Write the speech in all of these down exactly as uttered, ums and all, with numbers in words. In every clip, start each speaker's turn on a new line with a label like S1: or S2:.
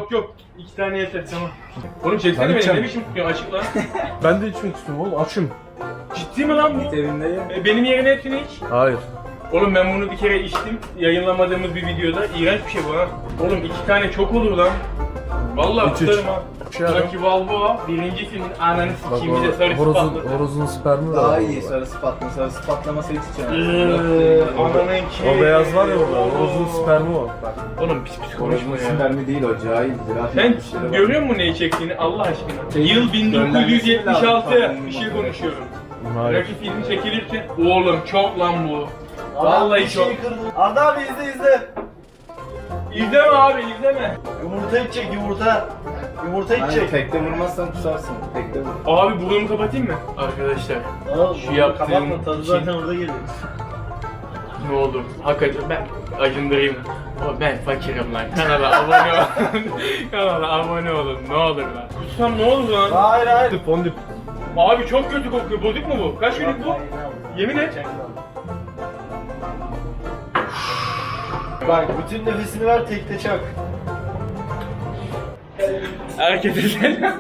S1: Yok yok. İki tane yeter tamam. Oğlum çeksene beni ne biçim tutuyor açık lan.
S2: Ben de içmek istiyorum oğlum açım.
S1: Ciddi mi lan bu?
S3: Evinde ye.
S1: E, benim yerine hepsini iç.
S2: Hayır.
S1: Oğlum ben bunu bir kere içtim. Yayınlamadığımız bir videoda. İğrenç bir şey bu ha. Oğlum iki tane çok olur lan. Vallahi
S2: İç, iç.
S1: tutarım ha.
S2: Şey adam.
S1: Rocky Balboa birinci filmin ananı
S2: Bak
S1: sikiyim bir de sarısı
S2: horozun,
S1: patladı.
S2: horozun spermi var.
S3: Daha iyi sarısı patla. Sarısı patlaması hiç içemez.
S1: Eee, Ananın ki.
S2: O beyaz var ya orada, horozun spermi var. Bak.
S1: Oğlum pis pis konuşma ya.
S3: Spermi değil o cahil.
S1: Sen görüyor musun neyi çektiğini Allah aşkına? Yıl bin dokuz yüz yetmiş altı bir şey konuşuyorum.
S2: Hayır.
S1: Rocky filmi çekilirken oğlum çok lan bu. Vallahi çok.
S3: Arda abi izle izle.
S1: İzleme abi izleme.
S3: Yumurta içecek yumurta. Yumurta içecek. Tekte vurmazsan kusarsın. Tekte vur.
S1: Abi burnumu kapatayım mı? Arkadaşlar şu yaptığım
S3: Kapatma tadı
S1: şey-
S3: zaten orada geliyor.
S1: ne olur hakikaten ben acındırayım. O ben fakirim lan. Kanala abone olun. Kanala abone olun. Ne olur lan. Kutsam ne olur lan?
S3: Hayır hayır.
S2: Dip on dip.
S1: Abi çok kötü kokuyor. Bozuk mu bu? Kaç günlük bu? Yemin et.
S3: Bak bütün nefesini ver tekte çak.
S1: Herkese selam.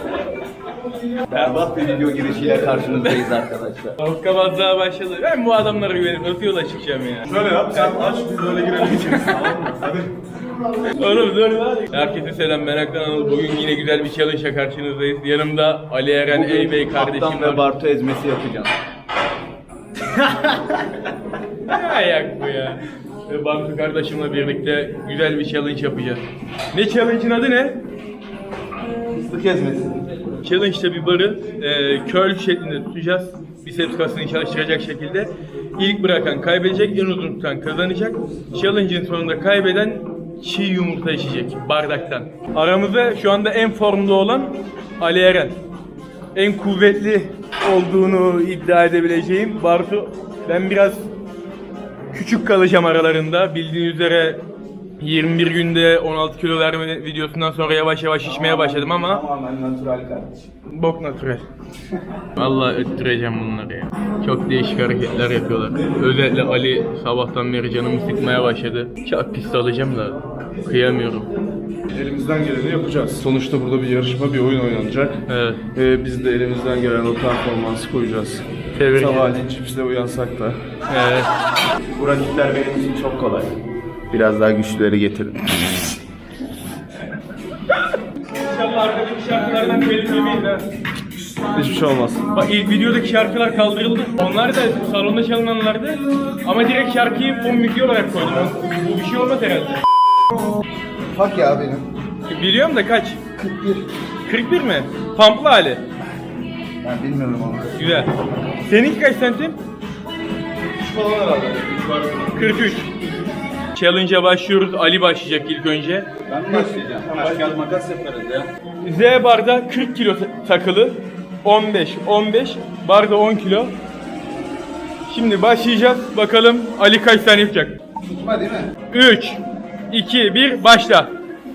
S3: Berbat bir video girişiyle karşınızdayız arkadaşlar.
S1: Hokkabazlığa başladı. Ben bu adamlara güvenip nasıl yola çıkacağım ya?
S2: Şöyle yap sen aç biz öyle girelim içeriz tamam mı? Hadi.
S1: Oğlum dur lan. Herkese selam Meraktan Anıl. Bugün yine güzel bir challenge'la karşınızdayız. Yanımda Ali Eren Eybey kardeşim
S3: Kaptan ve
S1: var.
S3: Bartu ezmesi yapacağım.
S1: Ne ayak bu ya? Ve Bartu kardeşimle birlikte güzel bir challenge yapacağız. Ne challenge'ın adı ne?
S3: Fıstık ezmesi.
S1: Challenge'da bir barı e, curl şeklinde tutacağız. Biceps kasını çalıştıracak şekilde. İlk bırakan kaybedecek, en uzun tutan kazanacak. Challenge'ın sonunda kaybeden çiğ yumurta içecek bardaktan. Aramızda şu anda en formda olan Ali Eren. En kuvvetli olduğunu iddia edebileceğim Bartu. Ben biraz küçük kalacağım aralarında. Bildiğiniz üzere yirmi bir günde on altı kilo verme videosundan sonra yavaş yavaş şişmeye başladım ama
S3: Tamamen natural kardeşim.
S1: bok natürel. Vallahi öttüreceğim bunları ya. Çok değişik hareketler yapıyorlar. Özellikle Ali sabahtan beri canımı sıkmaya başladı. Çok pis alacağım da kıyamıyorum.
S2: Elimizden geleni yapacağız. Sonuçta burada bir yarışma, bir oyun oynanacak.
S1: Evet.
S2: Ee, biz de elimizden gelen o performansı koyacağız.
S1: Tebrik ederim.
S2: Sabahleyin çipsle uyansak da.
S1: Evet.
S3: Bu rakipler benim için çok kolay. Biraz daha güçlüleri getirin.
S1: İnşallah arkadaki şarkılardan telif yemeyiz ha.
S2: Hiçbir şey olmaz.
S1: Bak ilk videodaki şarkılar kaldırıldı. Onlar da salonda çalınanlardı. Ama direkt şarkıyı fon müziği olarak koydum. Bu bir şey olmaz herhalde.
S3: Bak ya benim.
S1: Biliyorum da kaç?
S3: kırk bir.
S1: kırk bir mi? Pamplı hali.
S3: Ben bilmiyorum ama.
S1: Güzel. Seninki kaç santim?
S2: Falan herhalde.
S1: kırk üç. Challenge'a başlıyoruz. Ali başlayacak ilk önce.
S3: Ben mi başlayacağım? Taş kağıt makas yaparız ya.
S1: Z barda kırk kilo takılı. on beş, on beş. Barda on kilo. Şimdi başlayacağız. Bakalım Ali kaç tane yapacak?
S3: Tutma değil mi?
S1: üç, iki, bir, başla.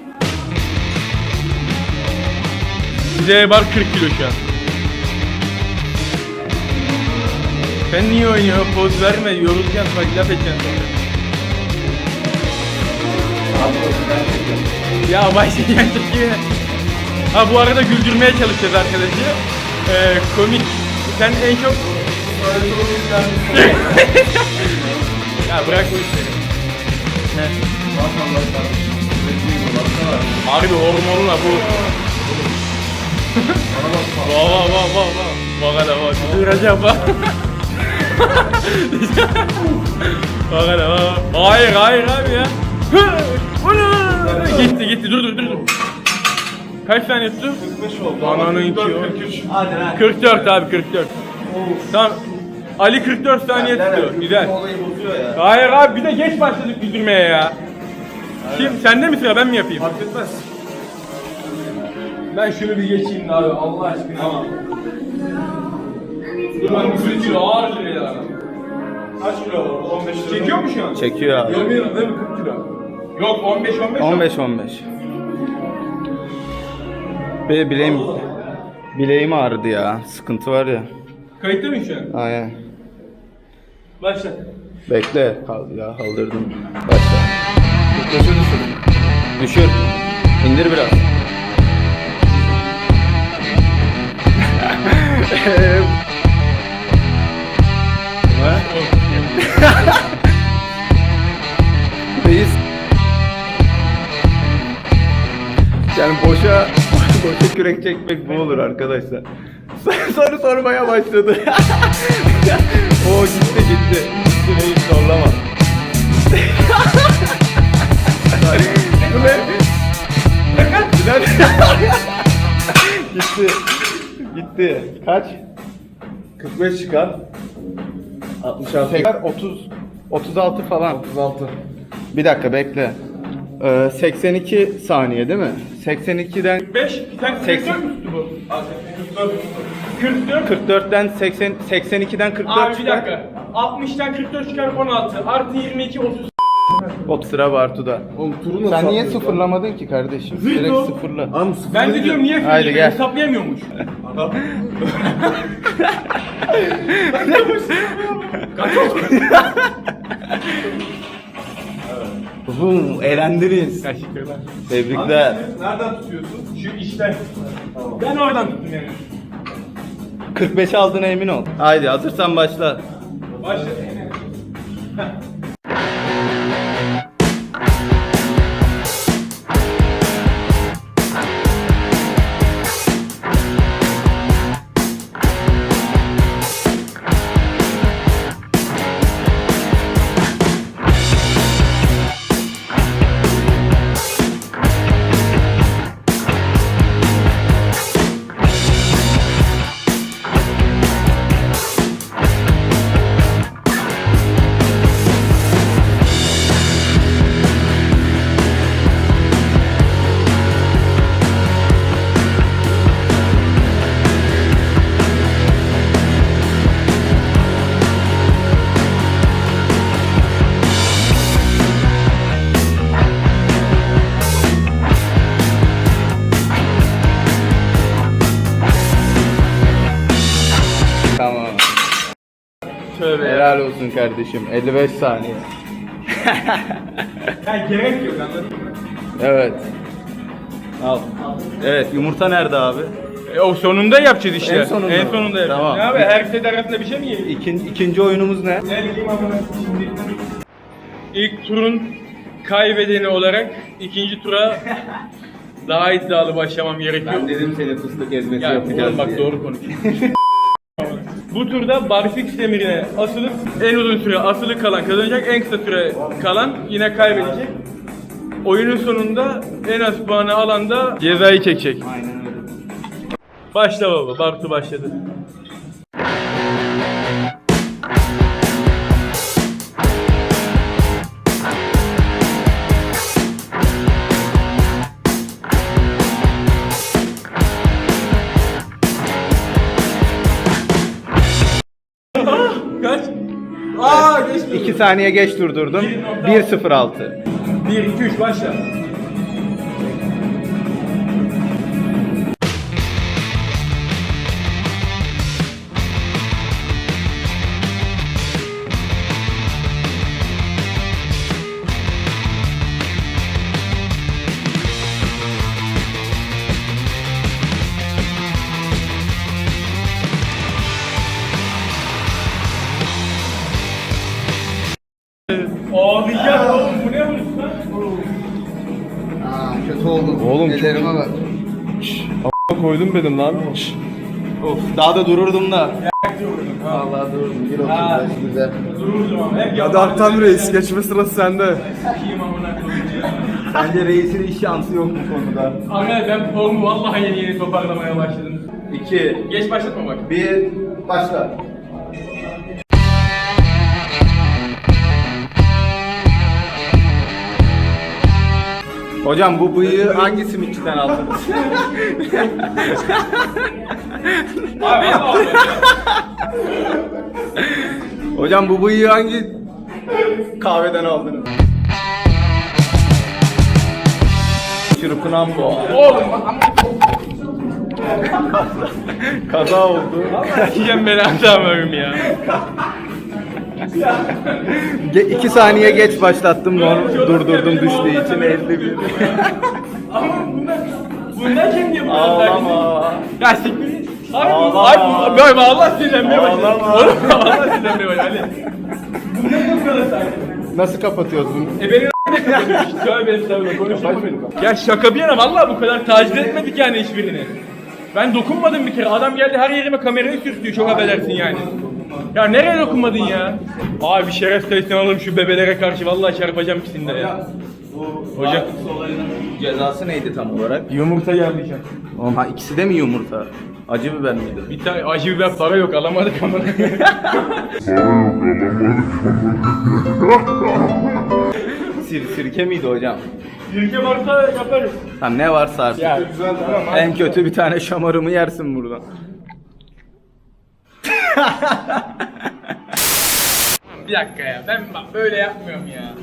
S1: Z bar kırk kilo şu an. Sen niye oynuyorsun? Poz verme, yorulacaksın, bak laf edeceksin sonra. Ya başlayacak ki. Ha bu arada güldürmeye çalışacağız arkadaşı. Ee, komik. Sen en çok... Ya bırak bu işleri. He. Harbi hormonla bu. Vaa vaa vaa vaa vaa. Bak hele bak. Duracağım bak. Bak hele bak. Hayır hayır abi ya. Gitti gitti dur dur dur. Kaç tane tuttu?
S2: kırk beş oldu.
S1: Ananın
S2: kırk
S1: ki
S2: dört, kırk üç.
S3: Hadi lan.
S1: kırk dört abi kırk dört. Tamam. Ali kırk dört saniye tutuyor. Güzel.
S3: Olayı bozuyor ya.
S1: Hayır abi bir de geç başladık güldürmeye ya. Kim sende mi sıra ben mi yapayım?
S2: Fark etmez.
S1: Ben şunu bir geçeyim de abi Allah aşkına. Tamam. Ulan kırk kilo ağır lira ya.
S2: Kaç kilo var? on beş lira.
S1: Çekiyor mu şu an?
S3: Çekiyor abi.
S2: Yemeyelim değil mi kırk kilo?
S1: Yok on beş on beş.
S3: on beş on beş. Be bileğim bileğim ağrıdı ya. Sıkıntı var ya.
S1: Kayıtta mı şu an?
S3: Aynen.
S1: Başla.
S3: Bekle. Kal ya kaldırdım. Başla. Düşür düşür. Düşür.
S4: İndir biraz. Reis. Yani boşa boşa kürek çekmek bu olur arkadaşlar. Soru sormaya başladı. O gitti gitti. Gitti reis zorlama. Bu ne? Gitti. Gitti. Kaç?
S2: kırk beş çıkar. altmış altı.
S4: Tekrar otuz otuz altı falan.
S2: otuz altı.
S4: Bir dakika bekle. Ee, seksen iki saniye değil mi? seksen ikiden
S1: beş, sen
S4: seksen.
S1: kırk dört mü tuttu bu? kırk dört.
S4: kırk dörtten seksen seksen ikiden kırk dört
S1: Abi bir
S4: çıkar.
S1: dakika. altmıştan kırk dört çıkar on altı. Artı yirmi iki, otuz.
S4: O sıra Bartu'da.
S2: Oğlum turu nasıl
S4: Sen niye
S2: atlıyorsun?
S4: sıfırlamadın ki kardeşim?
S1: Zırt
S4: Direkt
S1: o.
S4: sıfırla.
S2: Abi sıfır
S1: Ben de
S2: değil
S1: diyorum
S2: ya.
S1: niye
S4: Haydi
S1: Haydi
S4: gel.
S1: hesaplayamıyormuş.
S4: Bum, elendiniz.
S1: Teşekkürler.
S4: Tebrikler.
S2: Nereden tutuyorsun?
S1: Şu işten. Ben oradan tuttum yani.
S4: kırk beş aldığına emin ol. Haydi hazırsan başla.
S1: Başla.
S4: Tamam.
S1: Tövbe ya.
S4: Helal olsun kardeşim. elli beş saniye.
S1: Ya gerek yok anladın mı?
S4: Evet. Al. Evet, yumurta nerede abi?
S1: E, o sonunda yapacağız işte.
S4: En sonunda
S1: En
S4: mı?
S1: sonunda yapacağız.
S4: Tamam.
S1: Ne abi her set arasında bir şey mi yiyelim?
S4: İkin, ikinci oyunumuz ne?
S1: Ne bileyim ama şimdi. İlk turun kaybedeni olarak ikinci tura daha iddialı başlamam gerekiyor.
S4: dedim seni fıstık ezmesi
S1: Ya oğlum bak doğru konuş. Bu turda barfix demirine asılıp en uzun süre asılı kalan kazanacak, en kısa süre kalan yine kaybedecek. Oyunun sonunda en az puanı alan da cezayı çekecek.
S4: Aynen öyle.
S1: Başla baba, Bartu başladı. Kaç? Aa geçti.
S4: iki saniye geç durdurdum. bir sıfır altı.
S1: bir, iki, üç başla. Ağlayacak oğlum bu ne vuruş lan?
S3: Aa, kötü oldum.
S2: Oğlum çok-
S3: Ellerime bak.
S2: Koydum benim lan.
S4: Of, daha da dururdum da.
S3: Vallahi durdum. bir
S1: Ha.
S3: otuz beş güzel.
S1: Dururdum ama hep
S2: Hadi
S1: yapardım.
S2: Aktan Reis geçme sırası sende.
S1: Sikiyim amına koyayım ya.
S4: Bence reisin hiç şansı yok bu konuda.
S1: Aga ben formu vallahi yeni yeni toparlamaya başladım.
S4: iki,
S1: Geç başlatma bak.
S4: bir, başla. Hocam bu bıyığı hangi simitçiden aldınız?
S1: Abi vallahi
S4: Hocam bu bıyığı hangi kahveden aldınız? Çırpınan bu.
S1: oğlum
S4: Kaza oldu.
S1: yiyeceğim belanı amığım ya.
S4: Ge- iki saniye geç başlattım, normal durdurdum düştüğü için elli bir.
S1: Ama bunlar, bunlar kim diyor bu kadar
S4: Ağlama.
S1: Ya siktir. Abi bu,
S4: Ağlama.
S1: abi bu, böyle Allah sinirlenmeye başladı.
S4: Ağlama.
S1: Oğlum Allah sinirlenmeye başladı. Ali. Bunlar ne bu kadar sakin?
S4: Nasıl kapatıyoruz bunu?
S1: E beni ne kapatıyorsun? Tövbe estağfurullah konuşma beni. Ya şaka bir yana vallahi bu kadar taciz etmedik yani hiçbirini. Ben dokunmadım bir kere. Adam geldi her yerime kamerayı sürtüyor. Çok affedersin yani. Ya nereye dokunmadın ya? Abi bir şeref sayısını alalım şu bebelere karşı. Vallahi çarpacağım ikisini de ya. Hocam.
S4: Olayının cezası neydi tam olarak?
S1: Yumurta yerleyeceğim.
S4: Oğlum ha ikisi de mi yumurta? Acı biber miydi?
S1: Bir tane acı biber para yok alamadık ama.
S4: Sir, sirke miydi hocam?
S1: Sirke varsa yaparız.
S4: Tamam ne varsa artık.
S1: Ya
S2: Güzel tamam.
S4: En kötü bir tane şamarımı yersin buradan.
S1: bir dakika ya ben bak böyle yapmıyorum ya.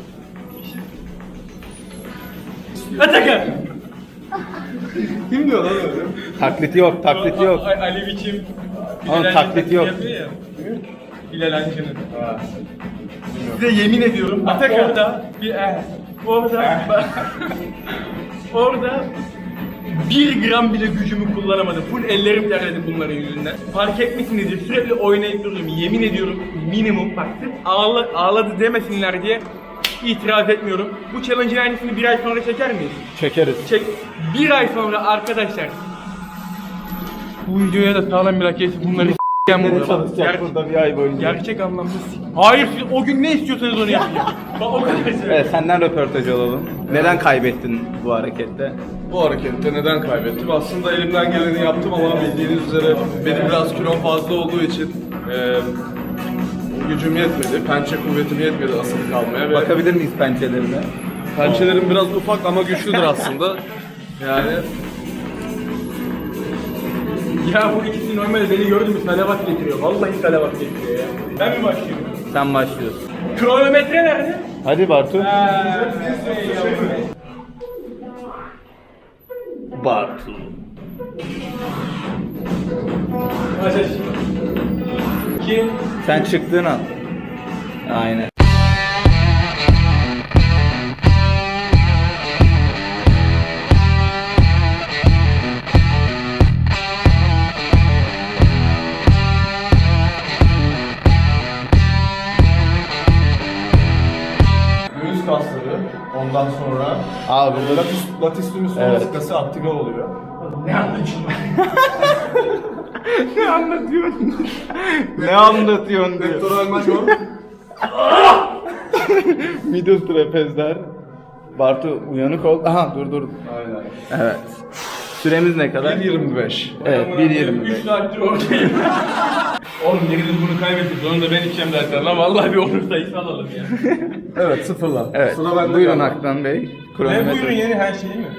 S1: Atakan.
S2: Kim diyor lan öyle?
S4: Taklidi yok, taklidi yok.
S1: A- A- Ali biçim.
S4: Oğlum,
S1: Bilal
S4: taklit
S1: Hancı'nın
S4: yok.
S1: yapıyor ya. Bilal Hancı'nın. Size yemin ediyorum bak orada bir eh, orada orada bir gram bile gücümü kullanamadım. Full ellerim terledi bunların yüzünden. Fark etmişsinizdir sürekli oynayıp duruyorum. Yemin ediyorum minimum bak sırf ağla, ağladı demesinler diye itiraz etmiyorum. Bu challenge'ın aynısını bir ay sonra çeker miyiz?
S4: Çekeriz.
S1: Çek. Bir ay sonra arkadaşlar bu videoya da sağlam bir like gelsin bunları s**ken burada.
S4: Çalışacak burada bir ay boyunca.
S1: Gerçek anlamda s**. Hayır siz o gün ne istiyorsanız onu yapın. Bak o kadar söyleyeyim.
S4: Evet, senden röportaj alalım. Neden kaybettin bu harekette?
S2: Bu harekette neden kaybettim? Aslında elimden geleni yaptım ama bildiğiniz üzere benim biraz kilom fazla olduğu için eee gücüm yetmedi, pençe kuvvetim yetmedi asılı kalmaya ve
S4: Bakabilir miyiz pençelerine?
S2: pençelerim biraz ufak ama güçlüdür aslında. Yani
S1: Ya bu ikisi normalde beni gördü mü salavat getiriyor. Vallahi salavat getiriyor ya. Ben mi başlıyorum?
S4: Sen başlıyorsun.
S1: Kronometre nerede?
S4: Hadi Bartu.
S1: Haa, şey yavrum.
S4: Bartu.
S1: Ateş. Kim?
S4: Sen çıktığın an. Aynen.
S2: göğüs kasları, ondan sonra
S4: Abi burada
S2: latis, latissimus
S4: Evet.
S2: thoracic aktive oluyor.
S1: Ne anlatıyorsun?
S4: ne anlatıyorsun? ne anlatıyorsun diyor.
S2: Pectoral major,
S4: Middle trapezler. Bartu uyanık ol. Aha dur dur.
S2: aynen.
S4: Evet. Süremiz ne kadar?
S2: bir yirmi beş.
S4: Evet bir yirmi beş.
S1: üç saattir oradayım. Oğlum biriniz bunu kaybettik. Onu da ben içeceğim zaten lan. Vallahi bir onur sayısı alalım ya.
S2: Evet sıfırla.
S4: Evet.
S2: Sıra bende
S4: Buyurun
S2: galiba.
S4: Aktan Bey.
S1: Ne
S4: Kronometre.
S1: buyurun yeni her şeyi mi?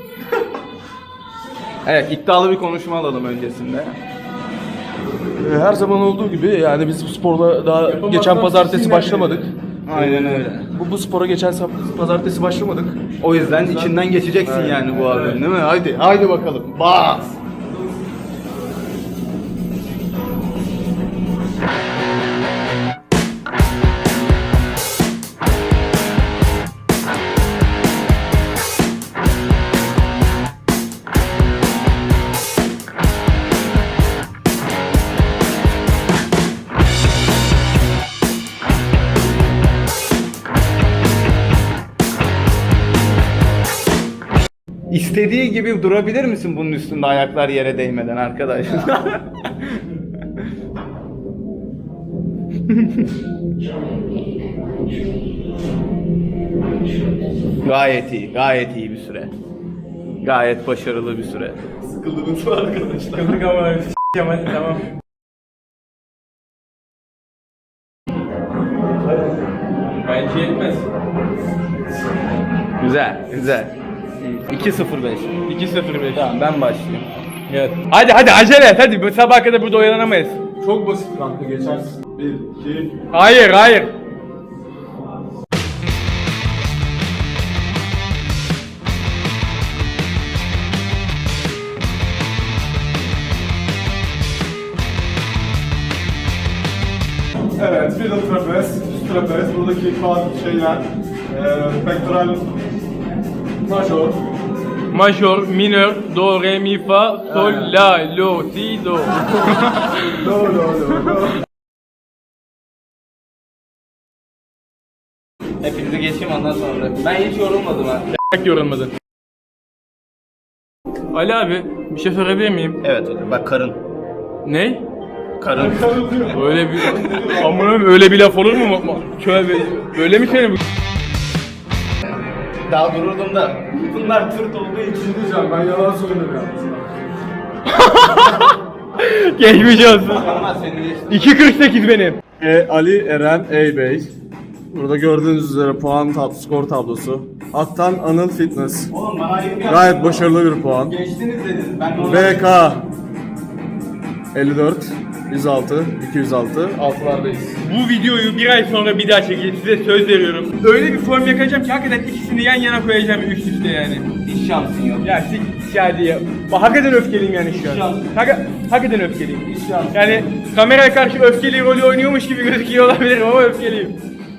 S4: Evet, iddialı bir konuşma alalım öncesinde.
S2: Ee, Her zaman olduğu gibi yani biz bu sporda daha geçen pazartesi başlamadık.
S4: Aynen öyle.
S2: Bu, bu spora geçen sap- pazartesi başlamadık.
S4: O yüzden içinden geçeceksin yani bu abinin, değil mi? Haydi, haydi bakalım. Bas. İstediği gibi durabilir misin bunun üstünde ayaklar yere değmeden arkadaş? Gayet iyi, gayet iyi bir süre. Gayet başarılı bir süre.
S2: Sıkıldınız mı arkadaşlar?
S1: Kızdık ama s**eceğim hadi tamam. Bence yetmez.
S4: Güzel, güzel. iki sıfır beş.
S1: iki sıfır beş.
S4: Tamam ben başlayayım.
S1: Evet. Hadi hadi acele et hadi. Bu sabaha kadar burada oyalanamayız.
S2: Çok basit kanka geçersin. bir, iki,
S1: Hayır hayır.
S2: Evet, middle trapez, üst trapez, buradaki bazı şeyler, e, pectoral major.
S1: Major, minör, do, re, mi, fa, sol, la, lo, si, do.
S2: No, no, no, no.
S3: Hepinizi geçeyim ondan sonra. Ben hiç yorulmadım ha.
S1: Bak yorulmadın. Ali abi bir şey sorabilir miyim?
S3: Evet hocam bak karın.
S1: Ne?
S3: Karın.
S1: Öyle bir amına öyle bir laf olur mu? Şöyle böyle mi söyleyeyim?
S3: Daha dururdum da. Bunlar tırt olduğu için.
S2: Diyeceğim, ben yalan söylüyorum yalnız.
S1: Geçmiş olsun.
S3: Ama seni geçtim.
S1: iki kırk sekiz benim.
S2: E, Ali Eren Eybey. Burada gördüğünüz üzere puan tab skor tablosu. Attan Anıl Fitness.
S3: Oğlum bana ayıp ya.
S2: Gayet başarılı bir puan.
S3: Geçtiniz dedin. Ben normal.
S2: B K elli dört, yüz altı, iki yüz altı, altılardayız.
S1: Bu videoyu bir ay sonra bir daha çekeceğim, size söz veriyorum. Öyle bir form yakacağım ki hakikaten ikisini yan yana koyacağım üst üste yani.
S3: Hiç şansın yok.
S1: Ya sik hadi ya. Bak, hakikaten öfkeliyim yani şu an. Hak hakikaten öfkeliyim. Yani kameraya karşı öfkeli rolü oynuyormuş gibi gözüküyor olabilirim ama öfkeliyim.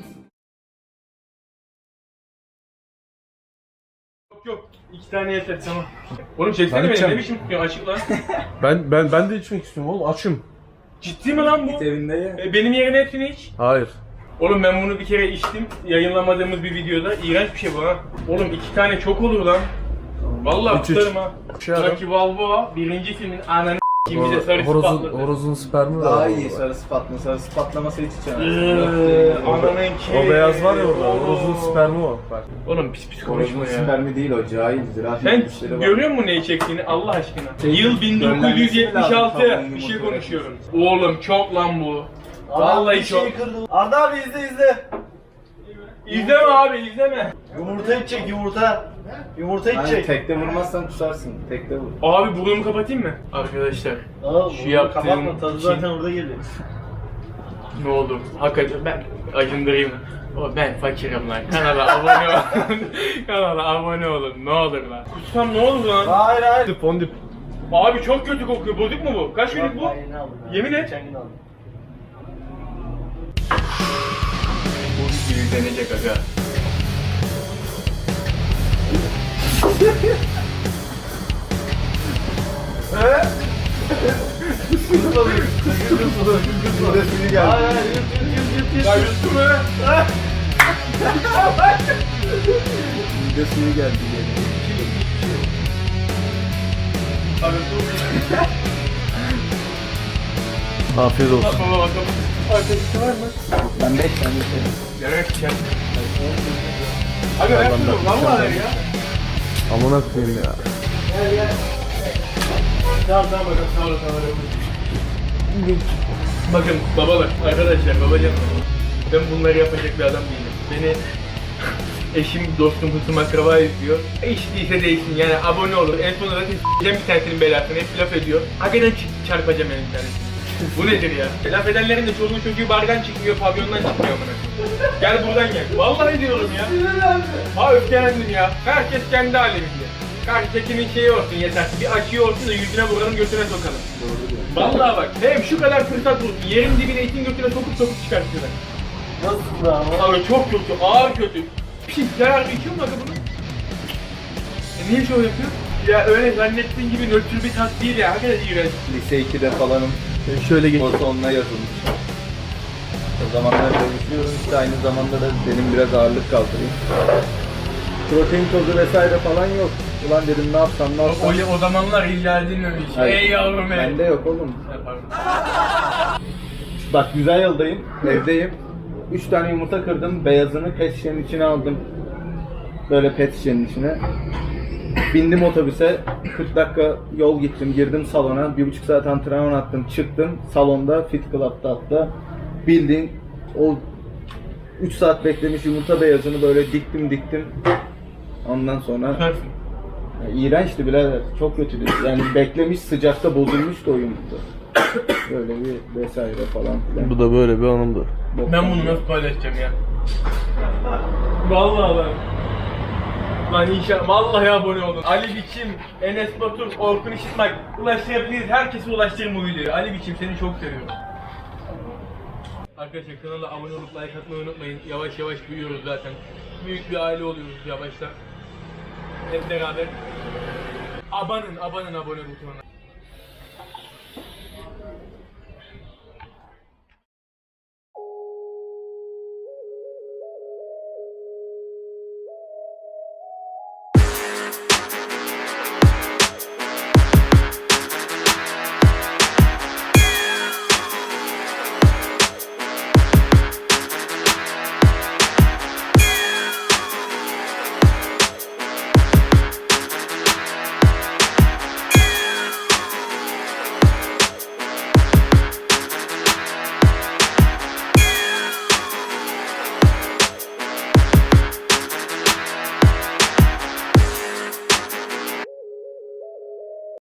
S1: Yok yok. İki tane yeter tamam. Oğlum çeksene
S2: Ben
S1: beni,
S2: içeceğim.
S1: ne biçim tutuyorsun, açık lan.
S2: Ben ben ben de içmek istiyorum oğlum, açım.
S1: Ciddi mi lan bu?
S3: Evinde ye.
S1: E, benim yerine hepsini iç.
S2: Hayır.
S1: Oğlum ben bunu bir kere içtim, yayınlamadığımız bir videoda. İğrenç bir şey bu ha. Oğlum iki tane çok olur lan. Vallahi
S2: İç, iç.
S1: tutarım ha.
S2: Şey ara.
S1: Rocky Balboa birinci filmin ananı s**eyim bize sarısı
S2: Horozun,
S1: patladı.
S2: horozun spermi var.
S3: Daha iyi sarısı patla. Sarısı patlaması hiç içemez.
S1: Eee, Ananın ki.
S2: O beyaz var ya orada, horozun spermi o. Bak.
S1: Oğlum pis pis konuşma
S3: Konuşma
S1: ya.
S3: spermi değil o cahildir.
S1: Sen görüyor musun neyi çektiğini Allah aşkına? Yıl bin dokuz yüz yetmiş altı bir şey konuşuyorum. Oğlum çok lan bu. Vallahi çok.
S3: Arda abi izle izle.
S1: İzleme abi izleme.
S3: Yumurta içecek yumurta. Yumurta içecek. Tekte vurmazsan kusarsın. Tekte vur.
S1: Abi burnumu kapatayım mı? Arkadaşlar
S3: Aa,
S1: şu yaptığım
S3: kapatma tadı
S1: için
S3: zaten orada geliyor.
S1: ne olur hakikaten ben acındırayım. O ben fakirim lan. Kanala abone olun. Kanala abone olun. Ne olur lan. Kutsam ne olur lan?
S3: Hayır hayır.
S2: Fondip.
S1: Abi çok kötü kokuyor. Bozuk mu bu? Kaç günlük bu? Yemin et.
S3: Geçen gün aldım.
S1: Bu gibi izlenecek aga.
S3: Midesini geldi. Hayır hayır yut yut yut yut.
S1: Ya yuttu mu?
S3: Midesini geldi.
S1: Abi dur.
S2: Afiyet olsun.
S1: Baba bakalım. Arkadaşı var mı?
S3: Ben beş tane içerim.
S1: Gerek içer. Abi ver şunu. Valla ver ya.
S2: Amına koyayım ya.
S1: Tamam tamam bakalım. Sağ olun sağ olun. Bakın babalar, arkadaşlar, babacanlar. Ben bunları yapacak bir adam değilim. Beni eşim, dostum, hısım, akraba izliyor. E hiç değilse değilsin yani abone olur. En sonunda zaten s**eceğim bir tanesinin belasını. Hep laf ediyor. Hakikaten ç- çarpacağım yani bir tanesini. Bu nedir ya? Laf edenlerin de çoluğu çocuğu bardan çıkmıyor, pavyondan çıkmıyor bana. Gel buradan gel. Vallahi diyorum ya. Ha öfkelendim ya. Herkes kendi haliminde. Karşıdakinin şeyi olsun yeter. Bir açıyı olsun da yüzüne vuralım, götüne sokalım. Vallahi bak. Hem şu kadar fırsat bulsun. Yerin dibine itin götüne sokup sokup çıkartıyorlar.
S3: Nasıl da ama?
S1: Abi çok kötü, ağır kötü. Pis, zararlı içiyor mu aga bunu? E niye şov yapıyor? Ya öyle zannettiğin gibi nötr bir tat değil ya. Hakikaten iğrenç.
S3: Lise ikide falanım.
S1: Şöyle geç.
S3: O sonuna yazılmış. O zamanlar çalışıyorum işte aynı zamanda da benim biraz ağırlık kaldırayım. Protein tozu vesaire falan yok. Ulan dedim ne yapsam ne yapsam.
S1: O, o zamanlar illa dinlemiş.
S3: Hayır.
S1: Ey yavrum ey.
S3: Bende yok oğlum.
S1: Yaparım.
S3: Bak güzel yoldayım, evdeyim. Üç tane yumurta kırdım, beyazını pet şişenin içine aldım. Böyle pet şişenin içine. Bindim otobüse, kırk dakika yol gittim, girdim salona, bir buçuk saat antrenman attım, çıktım. Salonda, Fit Club'da hatta. Bildiğin o üç saat beklemiş yumurta beyazını böyle diktim diktim. Ondan sonra
S1: Yaparsın.
S3: ya, iğrençti birader, çok kötüydü. Yani beklemiş sıcakta bozulmuştu o yumurta. Böyle bir vesaire falan filan.
S2: Bu da böyle bir anımdır.
S1: Ben bunu nasıl paylaşacağım ya? Vallahi lan. Lan inşallah vallahi abone olun. Ali Biçim, Enes Batur, Orkun İşitmak ulaştırabiliriz. Herkese ulaştırın bu videoyu. Ali Biçim seni çok seviyorum. Arkadaşlar kanala abone olup like atmayı unutmayın. Yavaş yavaş büyüyoruz zaten. Büyük bir aile oluyoruz yavaştan. Hep beraber. Abanın, abanın abone butonuna.